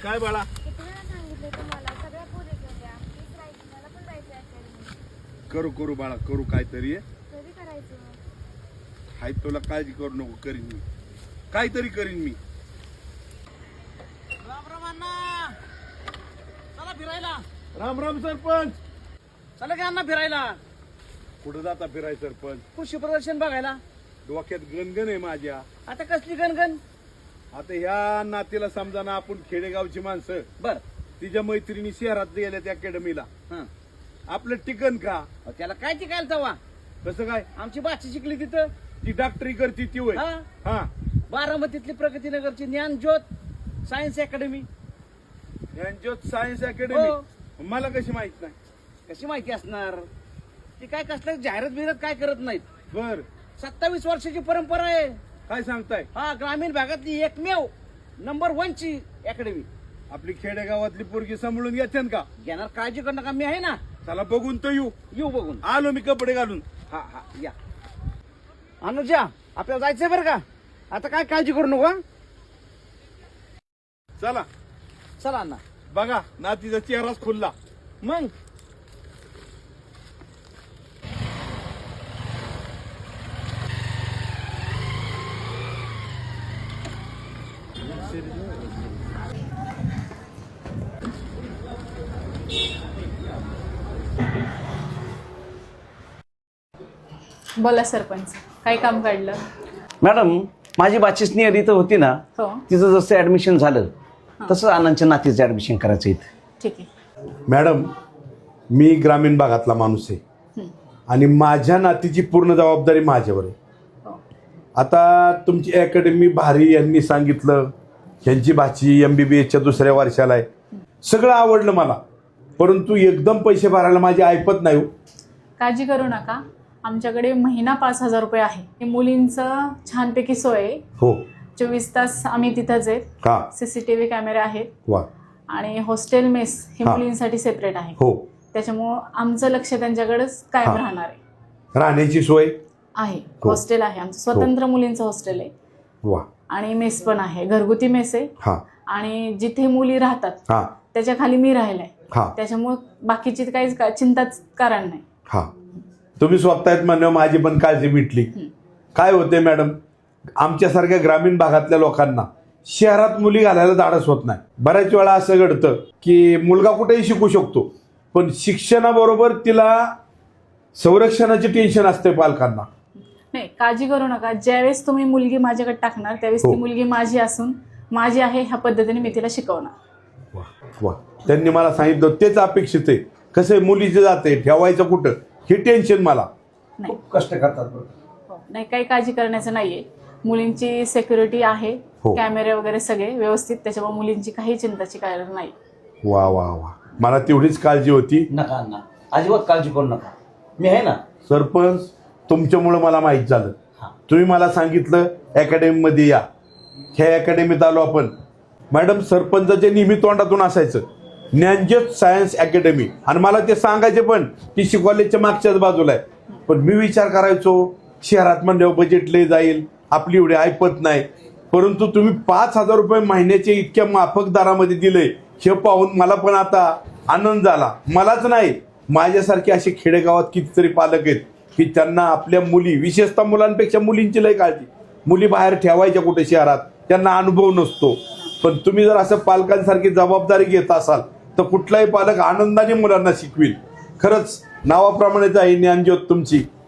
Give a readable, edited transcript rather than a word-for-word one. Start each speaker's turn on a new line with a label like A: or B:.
A: काय बाळा?
B: किती वेळा सांगितले तुम्हाला, सगळ्या पोरी गेल्या. मीच राहायची, मला पण जायचं अकॅडमी.
A: करू करू बाळा, करू काहीतरी.
B: कधी करायचं?
A: हाय, तुला काळजी करू नको, करीन मी, काहीतरी करीन मी.
C: राम राम अण्णा, चला फिरायला.
A: राम राम सरपंच.
C: चला की अण्णा फिरायला.
A: कुठं जाता फिराय सरपंच?
C: कृषी प्रदर्शन बघायला.
A: डोक्यात गणगण आहे माझ्या.
C: आता कसली गणगण?
A: आता ह्या नातीला समजा ना, आपण खेडेगावची माणसं,
C: बर.
A: तिच्या मैत्रिणी शहरात गेल्या त्या अकॅडमीला.
C: हं.
A: आपलं टिकन का?
C: अहो, त्याला काय टिकायला तवा?
A: कसं काय?
C: आमची बाची शिकली तिथं.
A: ती डॉक्टरी करती ती होय.
C: हा.
A: हा,
C: बारामतीतली प्रगतीनगरची Dnyanjyot science academy.
A: Dnyanjyot science academy.
C: हो.
A: मला कशी माहित नाही?
C: कशी माहिती असणार? ती काय कसलं जाहिरात बिहिरात काय करत नाहीत.
A: बर,
C: 27 वर्षाची परंपरा आहे.
A: काय सांगताय?
C: हा, ग्रामीण भागातली एकमेव नंबर 1 ची अकॅडमी.
A: आपली खेडेगावातली पोरगी सांभाळून घेते का?
C: घेणार, काळजी करू नका, मी आहे ना.
A: चला बघून तर
C: येऊ बघून.
A: आलो मी कपडे घालून.
C: हा हा, या. अनुजा, आपल्याला जायचंय बरं का? आता काय काळजी करू नका.
A: चला.
C: चला अण्णा.
A: बघा, नातीचा चेहराच खुलला.
C: मग
D: बोला सरपंच, काय काम काढलं?
E: मॅडम, माझी बाचीच नियत इथं होती ना,
D: हो,
E: तिचं जसं ऍडमिशन झालं तसं आनंदच्या नातीचं ऍडमिशन करायचं इथं.
D: ठीक आहे.
A: मॅडम, मी ग्रामीण भागातला माणूस आहे आणि माझ्या नातीची पूर्ण जबाबदारी माझ्यावर आहे.
D: हो.
A: आता तुमची अकॅडमी भारी यांनी सांगितलं, ह्यांची भाची MBBSच्या दुसऱ्या वर्षाला आहे, सगळं आवडलं मला, परंतु एकदम पैसे भरायला माझी ऐपत नाही.
D: काळजी करू नका, आमच्याकडे महिना 5,000 रुपये आहे. हे मुलींचं छानपैकी सोय आहे.
A: हो.
D: 24 तास आम्ही तिथंच आहेत.
A: का?
D: CCTV कॅमेरे आहेत
A: वा.
D: आणि हॉस्टेल मेस हे
A: हा.
D: मुलींसाठी सेपरेट आहे.
A: हो.
D: त्याच्यामुळं आमचं लक्ष त्यांच्याकडेच कायम
A: हा.
D: राहणार आहे.
A: राहण्याची सोय
D: आहे.
A: हो.
D: हॉस्टेल आहे आमचं, स्वतंत्र मुलींचं हॉस्टेल आहे
A: वा.
D: आणि मेस पण आहे, घरगुती मेस आहे.
A: हा
D: आणि जिथे मुली राहतात
A: हा
D: त्याच्या खाली मी राहिलाय.
A: हा
D: त्याच्यामुळं बाकीची काहीच चिंताच कारण नाही.
A: हा. तुम्ही स्वतः म्हणल्यावर माझी पण काळजी मिटली. काय होते मॅडम, आमच्यासारख्या ग्रामीण भागातल्या लोकांना शहरात मुली घालायला धाडस होत नाही. बऱ्याच वेळा असं घडतं की मुलगा कुठेही शिकू शकतो, पण शिक्षणाबरोबर तिला संरक्षणाचे टेन्शन असते पालकांना.
D: नाही, काळजी करू नका. ज्यावेळेस तुम्ही मुलगी माझ्याकडे टाकणार त्यावेळेस
A: हो.
D: ती मुलगी माझी असून माझी आहे ह्या पद्धतीने मी तिला शिकवणार.
A: वा वा. त्यांनी मला सांगितलं तेच अपेक्षित आहे. कसं आहे, मुलीचे जाते ठेवायचं कुठं हे टेन्शन मला.
D: नाही.
E: खूप कष्ट करतात बरं.
D: हो. नाही, काही काळजी करण्याचं नाहीये. मुलींची सिक्युरिटी आहे,
A: हो.
D: कॅमेरे वगैरे सगळे व्यवस्थित, त्याच्यामुळे मुलींची काही चिंताची कारण नाही.
A: वा वा वा. मला तेवढीच काळजी होती.
E: नका अण्णा, अजिबात काळजी करू नका, मी आहे ना.
A: सरपंच, तुमच्यामुळं मला माहीत झालं.
E: हा.
A: तुम्ही मला सांगितलं अकॅडमीमध्ये या, ह्या अकॅडमीत आलो आपण. मॅडम, सरपंचाच्या नेहमी तोंडातून असायचं ज्ञानज्योत सायन्स अकॅडमी, आणि मला ते सांगायचे पण ती कॉलेजच्या मागच्याच बाजूला आहे. पण मी विचार करायचो शहरात म्हणल्यावर बजेट लय जाईल, आपली एवढी ऐपत नाही, परंतु तुम्ही 5,000 रुपये महिन्याचे इतक्या माफक दरामध्ये दिले हे पाहून मला पण आता आनंद झाला. मलाच नाही, माझ्यासारखे असे खेडेगावात कितीतरी पालक आहेत की त्यांना आपल्या मुली, विशेषतः मुलांपेक्षा मुलींची लय काळजी. मुली बाहेर ठेवायच्या कुठे शहरात, त्यांना अनुभव नसतो. पण तुम्ही जर असं पालकांसारखी जबाबदारी घेत असाल तर कुठलाही पालक आनंदाने मुलांना शिकविल. खरंच नावाप्रमाणेच आहे ज्ञानज्योत तुमची.